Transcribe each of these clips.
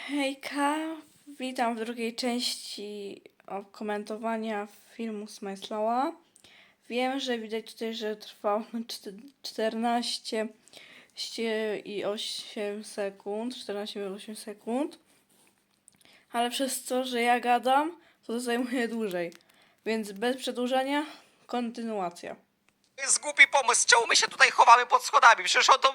Hejka, witam w drugiej części komentowania filmu Smajslowa. Wiem, że widać tutaj, że trwało 14 i 8 sekund, 14 minut 8 sekund, ale przez to, że ja gadam, to zajmuje dłużej, więc bez przedłużania, kontynuacja. To jest głupi pomysł. Czemu my się tutaj chowamy pod schodami? Przecież on to...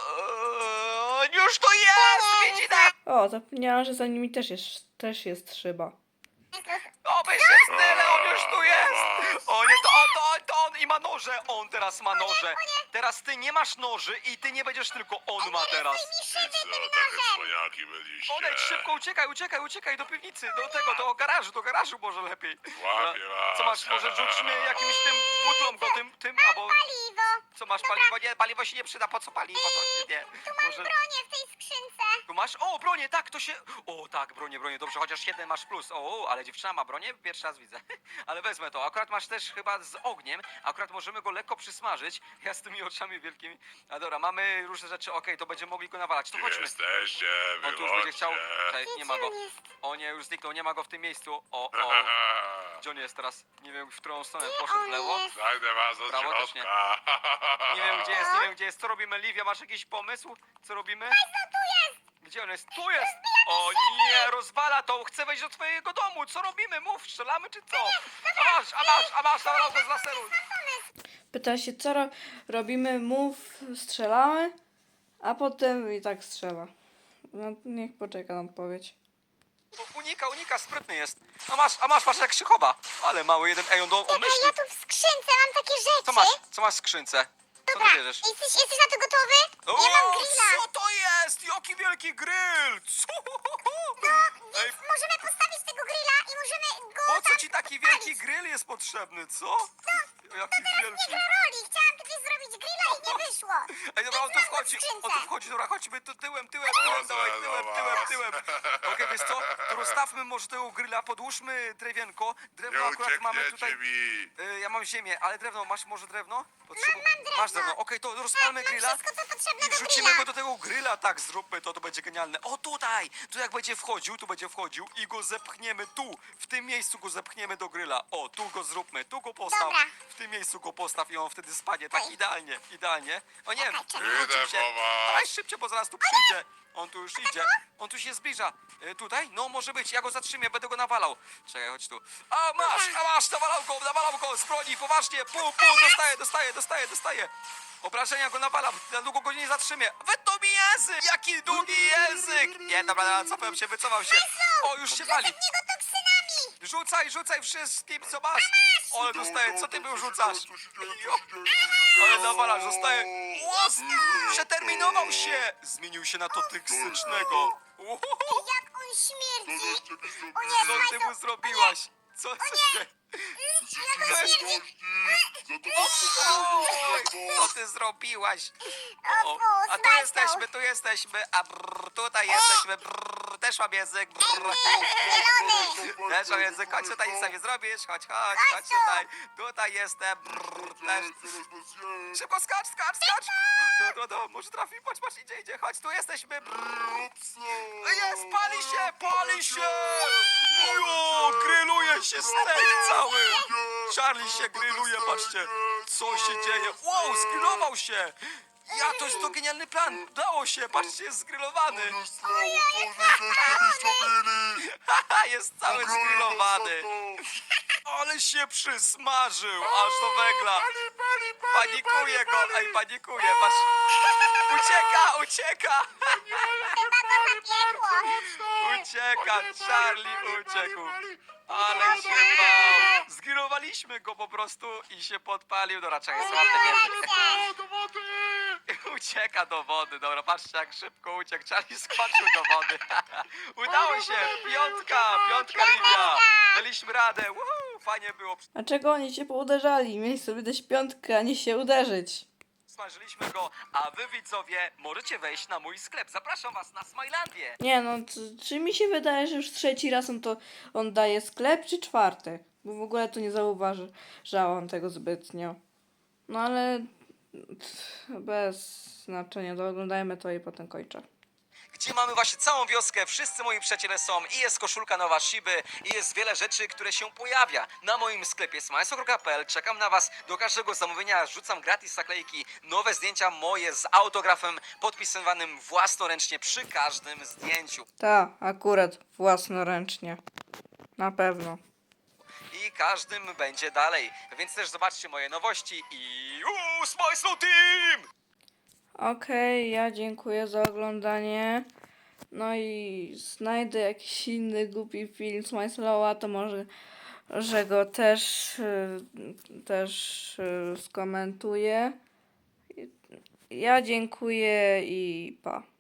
już tu jest! Widzi nas! O, zapomniałam, że za nimi też jest szyba. Oby się style, on już tu jest! O nie, to on i ma noże! On teraz ma noże! Teraz ty nie masz noży i ty nie będziesz, tylko on ma teraz. Co, takie cwaniaki byliście? Odejdź szybko, uciekaj do piwnicy, do garażu może lepiej. Łapię was. Co masz, może rzućmy jakimś tym butlom go, tym, albo... Paliwo! Co masz, paliwo? Nie, paliwo się nie przyda, po co paliwo? To nie, może... Bronię w tej skrzynce! Tu masz? O, bronię, tak, to się... O, tak, bronię, dobrze, chociaż jeden masz plus. O, ale dziewczyna ma bronię? Pierwszy raz widzę. Ale wezmę to. Akurat masz też chyba z ogniem. Akurat możemy go lekko przysmażyć. Ja z tymi oczami wielkimi. A dobra, mamy różne rzeczy. Okej, to będziemy mogli go nawalać. To chodźmy. Jesteście, On tu już będzie chciał... wychodźcie. Czekaj, nie ma go. Gdzie on jest? O nie, już zniknął, nie ma go w tym miejscu. O. Gdzie on jest teraz? Nie wiem, w którą stronę poszedł, w lewo? jest? Znajdę was od Prawo też nie. środka. Nie wiem, gdzie jest. Co robimy, Livia? Masz jakiś pomysł? Co robimy? Gdzie on jest? Tu jest! O nie, rozwala to! Chcę wejść do twojego domu! Co robimy? Mów, strzelamy czy co? A masz, zabrał go z laseru! Pyta się, co robimy, mów, strzelamy, a potem i tak strzela. No, niech poczeka na odpowiedź. Unika, sprytny jest. A masz, patrz jak się chowa. Ale mały jeden, ej, on myśli. Ja tu w skrzynce mam takie rzeczy! Co masz w skrzynce? Co ty Dobra, bierzesz? jesteś na to gotowy? Nie mam grilla! Co to jest? Jaki wielki grill! Co? Ej, Więc możemy postawić tego grilla i możemy go po co tam ci taki wielki grill jest potrzebny, co? Jaki wielki. roli! Chciałam kiedyś zrobić grilla i nie wyszło! Ej, dobra, on tu wchodzi, dobra, chodźmy tyłem, tyłem. Okej, wiesz co, to rozstawmy może tego grilla, podłóżmy drewienko, drewno Nie akurat mamy uciekniecie tutaj, mi. ja mam ziemię, ale drewno, masz może drewno? Mam drewno. Masz drewno, okej, to rozpalmy Mam grilla wszystko, co potrzebne i do wrzucimy grilla! go do tego grilla, tak, zróbmy to będzie genialne. O, tutaj, tu jak będzie wchodził, i go zepchniemy tu, w tym miejscu go zepchniemy do grilla. O, tu go zróbmy, tu go postaw, Dobra. w tym miejscu go postaw i on wtedy spadnie, tak, Oj. idealnie. O nie, Czekaj, wrócił Idę się. po was. Dawaj szybciej, bo zaraz tu przyjdzie. On tu już idzie. On tu się zbliża. Tutaj? No może być. Ja go zatrzymię, będę go nawalał. Czekaj, chodź tu. A masz, nawalał go z broni, poważnie. Dostaję. Obrażenia go nawalam, na długo go nie zatrzymię. Wytnął mi język! Jaki długi język! Nie, dobra, wycofał się. O, już się pali. Niego toksynami! Rzucaj wszystkim, co masz. Ale dostaję, co ty był rzucasz? Co się dzieje? Ale nawalasz, zostaje... Łos! Przeterminował się! Zmienił się na toksycznego. Jak on śmierdzi! Żeście mi zrobili? O nie, Co ty mu zrobiłaś? Co się... Jak on śmierdzi! Oj, co ty zrobiłaś? O, a tu jesteśmy, a tutaj jesteśmy, też mam język, Zielony! też mam język, chodź tutaj, nic sobie zrobisz, chodź tu. tutaj jestem, też. Szybko skacz! No, może trafi, patrz, idzie, chodź, tu jesteśmy, jest, pali się! Ojo, grilluje się steak cały! Charlie się grilluje, patrzcie, co się dzieje, wow, zgrillował się! Ja, to jest to genialny plan, udało się, patrzcie, jest zgrillowany! Haha, jest cały zgrillowany! Ale się przysmażył, aż do węgla! Panikuje go, panikuje, patrz! Ucieka! Ucieka, Charlie uciekł! Ale się bał! Zgrillowaliśmy go po prostu i się podpalił. Dobra, czekaj, słabny język. Ucieka do wody, dobra, patrzcie jak szybko uciekł. Charlie skoczył do wody. Udało się! Piątka, Livia! Daliśmy radę, woohoo, fajnie było. A czego oni się pouderzali? Mieli sobie dać piątkę, a nie się uderzyć. Smażyliśmy go, a wy widzowie możecie wejść na mój sklep. Zapraszam was na Smilandię. Nie no, czy mi się wydaje, że już trzeci raz on daje sklep, czy czwarty? Bo w ogóle to nie zauważałam tego zbytnio. No ale bez znaczenia, to oglądajmy to i potem kończę. gdzie mamy właśnie całą wioskę, wszyscy moi przyjaciele są i jest koszulka nowa Shiby i jest wiele rzeczy, które się pojawia na moim sklepie smajslo.pl. Czekam na was, do każdego zamówienia rzucam gratis naklejki, nowe zdjęcia moje z autografem podpisywanym własnoręcznie przy każdym zdjęciu. Ta, akurat własnoręcznie. Na pewno. I każdym będzie dalej, więc też zobaczcie moje nowości i Smajslo Team! Okej, ja dziękuję za oglądanie. No i znajdę jakiś inny głupi film z Majslowa, to może że go też skomentuję. Ja dziękuję i pa.